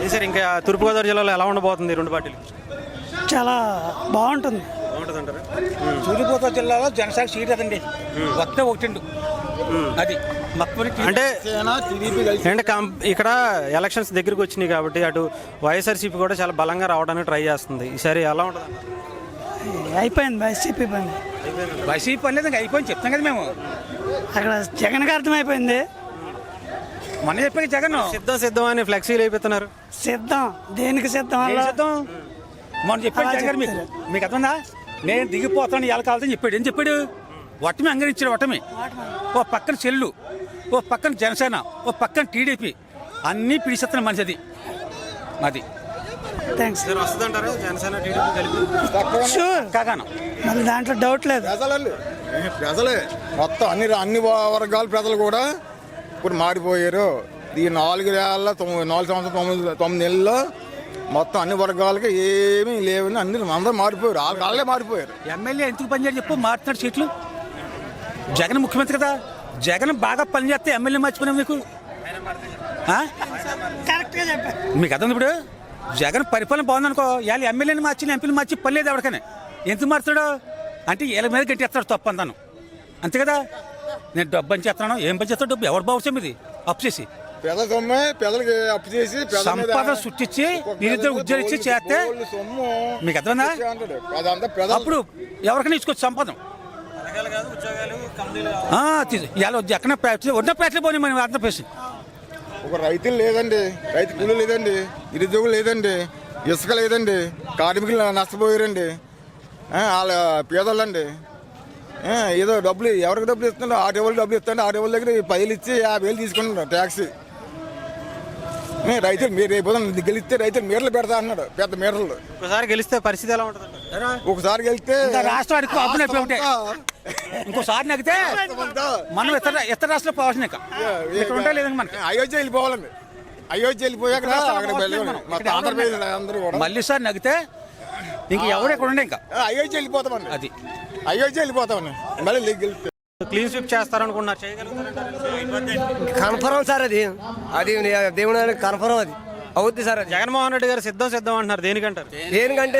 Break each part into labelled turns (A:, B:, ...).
A: Sir ఇంకా తూర్పుగోదావరి జిల్లాలో ఎలా ఉండబోతుంది ఈ రెండు పార్టీలు?
B: చాలా బాగుంటుంది.
A: బాగుంటుంది అంటారు.
C: తూర్పుగోదావరి జిల్లాలో జనసేన సీట్ అదండి, వస్తే ఒకటి అది
A: అంటే ఇక్కడ ఎలక్షన్స్ దగ్గరికి వచ్చినాయి కాబట్టి అటు వైఎస్ఆర్సీపీ కూడా చాలా బలంగా రావడానికి ట్రై చేస్తుంది. ఈసారి ఎలా ఉంటుంది?
B: అయిపోయింది వైసీపీ పని.
C: వైసీపీ పని లేదు, ఇంకా అయిపోయింది చెప్తాం కదా మేము.
B: అక్కడ జగన్కి అర్థమైపోయింది.
C: మన చెప్పాక జగన్
A: సిద్ధం అని ఫ్లెక్సీలు అయిపోతున్నారు.
B: సిద్ధం దేనికి సిద్ధం?
C: సిద్ధం మనం చెప్పాడు జగన్ మీకు మీకు అర్థందా? నేను దిగిపోతాను ఎలా కావాలని చెప్పాడు. ఏం చెప్పాడు? వటమి అంగరించాడు. వటమి ఓ పక్కన చెల్లు, ఓ పక్కన జనసేన, ఓ పక్కన టీడీపీ, అన్నీ పిడిచేస్తున్న మనిషి అది అది.
B: థ్యాంక్స్.
A: వస్తుందంటారా జనసేన టీడీపీ కలిపి?
B: షూర్
C: కాగాను
B: మళ్ళీ దాంట్లో డౌట్ లేదు.
D: ప్రజలే మొత్తం అన్ని వర్గాల ప్రజలు కూడా ఇప్పుడు మారిపోయారు. ఈ 4 సంవత్సరాలు 9 నెలల్లో మొత్తం అన్ని వర్గాలకి ఏమీ లేవని అందరూ మారిపోయారు. వాళ్ళే మారిపోయారు.
C: ఎమ్మెల్యే ఎందుకు పనిచేయాలి చెప్పు? మారుతున్నాడు సీట్లు. జగన్ ముఖ్యమంత్రి కదా, జగన్ బాగా పనిచేస్తే ఎమ్మెల్యే మర్చిపోయినా మీకు
B: కరెక్ట్గా చెప్పారు.
C: మీకు అర్థం ఇప్పుడు జగన్ పరిపాలన బాగుందనుకో, ఇవాళ ఎమ్మెల్యేని మార్చి ఎంపీని మార్చి పని లేదు ఎవరికైనా. ఎందుకు మారుతాడు అంటే వీళ్ళ మీద గట్టేస్తాడు తప్పు అంతాను, అంతే కదా. నేను డబ్బు అని చేస్తున్నాను, ఏం పని చేస్తాడు? డబ్బు ఎవరు బాగుంది ఇది అప్పు చేసి
D: పేదలకి అప్పు చేసి
C: సంపద సృష్టించి నిరుద్యోగ ఉద్యోగం ఇచ్చి చేస్తే మీకు అర్థమైందా? అప్పుడు ఎవరికైనా ఇచ్చుకోవచ్చు సంపద. ఎక్కడ ఉన్న ప్యాట్లు పోనీ మనం ఆంధ్రప్రదేశ్.
D: ఒక రైతులు లేదండి, రైతు కూలీలు లేదండి, నిరుద్యోగులు లేదండి, ఇసుక లేదండి, కార్మికులు నష్టపోయారండి. వాళ్ళ పేదోళ్ళండి ఏదో డబ్బులు ఎవరికి డబ్బులు ఇస్తున్నారు? 6 వాళ్ళు డబ్బులు ఇస్తాండి, 6 వాళ్ళ దగ్గర 10,000 ఇచ్చి 50,000 తీసుకుంటున్నారు ట్యాక్స్. రైతులు మీరు రేపు గెలిస్తే రైతులు మీటర్లు పెడతా అన్నాడు, పెద్ద మీటర్లు.
A: ఒకసారి గెలిస్తే పరిస్థితి ఎలా ఉంటుంది?
D: ఒకసారి గెలిస్తే
C: రాష్ట్రానికి అప్పు నొప్పి ఒకటే, ఇంకోసారి నగితే మనం ఇతర రాష్ట్రంలో పోవాల్సిన ఇక్కడ ఉంటా లేదండి. మనకి
D: అయోధ్య వెళ్ళిపోవాలండి. అయోధ్య వెళ్ళిపోయాక
C: మళ్ళీ సార్ నగితే ఇంక ఎవరు ఇక్కడ ఉండే ఇంకా
D: అయోధ్య వెళ్ళిపోతామండి.
C: అది
D: అయోధ్య వెళ్ళిపోతామండి. మళ్ళీ గెలిస్తే
A: క్లీన్ స్వీప్ చేస్తారనుకున్నారు,
E: కన్ఫర్మ్ సార్. అది దేవుని కన్ఫర్మ్ అది అవుద్ది సార్.
A: జగన్మోహన్ రెడ్డి గారు సిద్ధం అంటున్నారు. దేనికంటారు?
E: దేనికంటే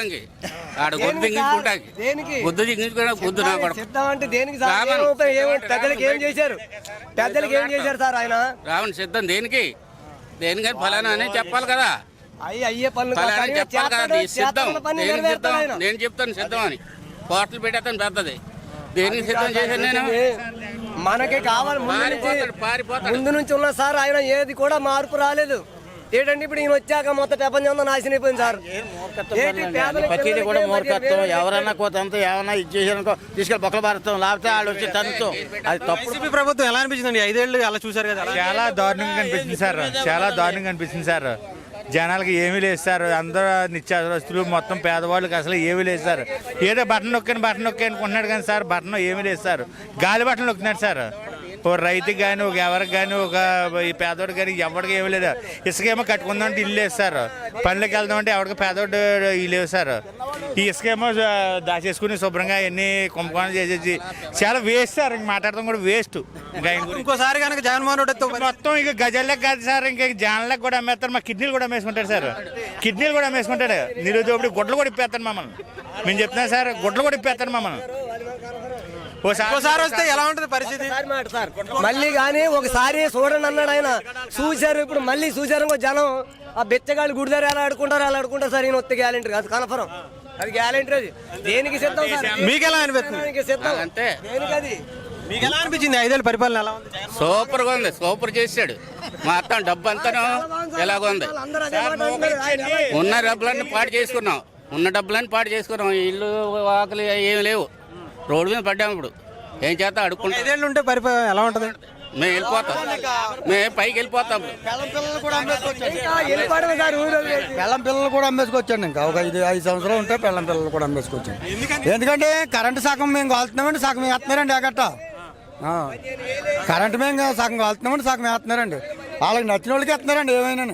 F: సిద్ధం
E: అంటే దేనికి పెద్దలకి ఏం చేశారు? పెద్దలకి ఏం చేశారు సార్ ఆయన?
F: రావణ సిద్ధం దేనికి? దేనికని ఫలానా అని చెప్పాలి కదా,
E: అయ్యే పనులు
F: చెప్పాలి కదా. సిద్ధం నేను చెప్తాను సిద్ధం అని. కోట్లు పెట్టేస్తాను పెద్దది. దేనికి సిద్ధం చేశాను నేను?
E: మనకి కావాలి ముందు నుంచి ఉన్న సార్. ఆయన ఏది కూడా మార్పు రాలేదు. ఏంటంటే ఇప్పుడు ఈయన వచ్చాక మొత్తం ప్రపంచం నాశనం అయిపోయింది సార్.
G: ప్రతిదీ కూడా మూర్ఖత్వం. ఎవరన్నా కోతంతో ఏమన్నా ఇది చేసారనుకో తీసుకెళ్ళి బొక్కల భారతం, లేకపోతే వాళ్ళు వచ్చి తంతో. అది తప్పు.
A: ప్రభుత్వం ఎలా అనిపించిందండి? 5 ఏళ్ళు అలా చూసారు కదా.
H: చాలా దారుణంగా అనిపించింది సార్, చాలా దారుణంగా అనిపించింది సార్. జనాలకి ఏమీ లేదు సార్. అందరూ నిత్యావసరస్తులు మొత్తం పేదవాళ్ళకి అసలు ఏమీ లేదు సార్. ఏదో బటన్ నొక్కి అనుకుంటున్నాడు కానీ సార్ బటన్ ఏమీ లేదు సార్. గాలి బటన్ నొక్కున్నాడు సార్. ఒక రైతుకి కానీ ఒక ఎవరికి కానీ ఒక ఈ పేదవాడికి కానీ ఎవరికి ఏమీ లేదు. ఇసుకేమో కట్టుకుందామంటే ఇల్లు లేదు సార్. పనులకు వెళ్దామంటే ఎవరికి పేదవాడు ఇల్లు లేవు సార్. ఈ ఇసుకేమో దాచేసుకుని శుభ్రంగా ఎన్ని కుంభకోణం చేసేసి చాలా వేస్ట్ సార్. ఇంక మాట్లాడటం కూడా వేస్ట్.
A: ఇంకోసారి కనుక జగన్మోహన్ రెడ్డి
H: మొత్తం ఇక గజల్లకు కాదు సార్, ఇంకా జాన్లకు కూడా అమ్మేస్తారు. మా కిడ్నీలు కూడా అమ్మేసుకుంటాడు సార్. కిడ్నీలు కూడా అమ్మేసుకుంటాడు. నిరుద్యోగుడు గుడ్లు కూడా ఇప్పేస్తాను మమ్మల్ని. మేము చెప్తున్నాం సార్, గుడ్లు కూడా ఇప్పేస్తాను మమ్మల్ని.
A: ఒకసారి వస్తే ఎలా ఉంటుంది పరిస్థితి?
E: మళ్ళీ కానీ ఒకసారి చూడండి అన్నాడు ఆయన. చూశారు, ఇప్పుడు మళ్ళీ చూశారు. జనం ఆ బెచ్చగాళ్ళు గుడిదారు ఎలా ఆడుకుంటారు సార్. ఈయన వస్తే గ్యారెంటీ కాదు, కన్ఫర్మ్. అది గ్యారెంటీ. అది దేనికి సిద్ధం సార్?
A: మీకు ఎలా అనిపిస్తుంది?
E: సిద్ధం
F: అంటే
E: దేనికి? అది
A: మీకు ఎలా అనిపించింది? 5 ఏళ్ళ పరిపాలన ఎలా ఉంది?
F: సూపర్ గా ఉంది. సూపర్ చేశాడు. మొత్తం డబ్బు అంతాను ఎలాగుంది. ఉన్న డబ్బులన్నీ పాటు చేసుకున్నాం. ఇల్లు ఆకలి ఏమి లేవు. రోడ్డు మీద పడ్డాము. ఇప్పుడు ఏం చేస్తా అడుక్కుంటాం.
A: 5 ఏళ్ళు ఉంటే పరిపాలన ఎలా ఉంటుంది?
F: మేము వెళ్ళిపోతాం. మేము పైకి వెళ్ళిపోతాం.
E: పెళ్ళం పిల్లలు కూడా అమ్మేసుకోవచ్చండి. ఇంకా ఒక 5 సంవత్సరాలు ఉంటే పెళ్ళం పిల్లలు కూడా అమ్మేసుకోవచ్చండి. ఎందుకంటే కరెంటు సగం మేము కాలుతున్నామండి, సగం వేస్తున్నారండి. ఎగట్ట కరెంటు మేము సగం కాలుతున్నామండి, సగం వేస్తున్నారండి. వాళ్ళకి నచ్చిన వాళ్ళకి వేస్తున్నారండి ఏమైనా.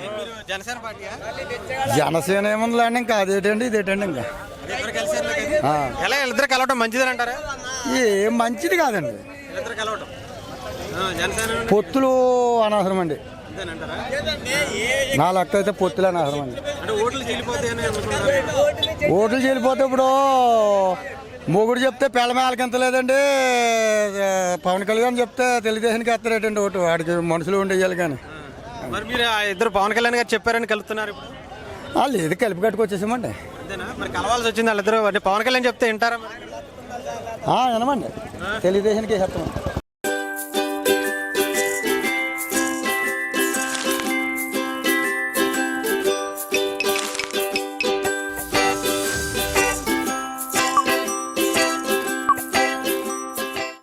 E: జనసేన ఏముందిలేండి, ఇంకా అదేటండి ఇదేటండి. ఇంకా
A: ఇద్దరు కలవటం మంచిదని అంటారా?
E: ఏం మంచిది కాదండి. పొత్తులు అనవసరం అండి.
A: అంతేనంటారా?
I: నా లెక్క అయితే పొత్తులేని అసలు అండి.
A: అంటే ఓట్లు చీలిపోతాయని అనుకుంటున్నారు.
I: ఓట్లు చెల్లిపోతే ఇప్పుడు మొగుడు చెప్తే పిల్లమేళకి ఎంత లేదండి, పవన్ కళ్యాణ్ చెప్తే తెలుగుదేశానికి ఎత్తరేటండి ఓటు, వాడికి మనుషులు ఉండేయాలి కానీ.
A: మరి మీరు ఆ ఇద్దరు పవన్ కళ్యాణ్ గారు చెప్పారని కలుపుతున్నారు ఇప్పుడు?
I: లేదు, కలిపి కట్టుకొచ్చేసామండి.
A: అంతేనా? మరి కలవాల్సి వచ్చింది వాళ్ళిద్దరు. అంటే పవన్ కళ్యాణ్ చెప్తే వింటారా మరి?
I: వినమండి, తెలుగుదేశానికి వేసేస్తామండి.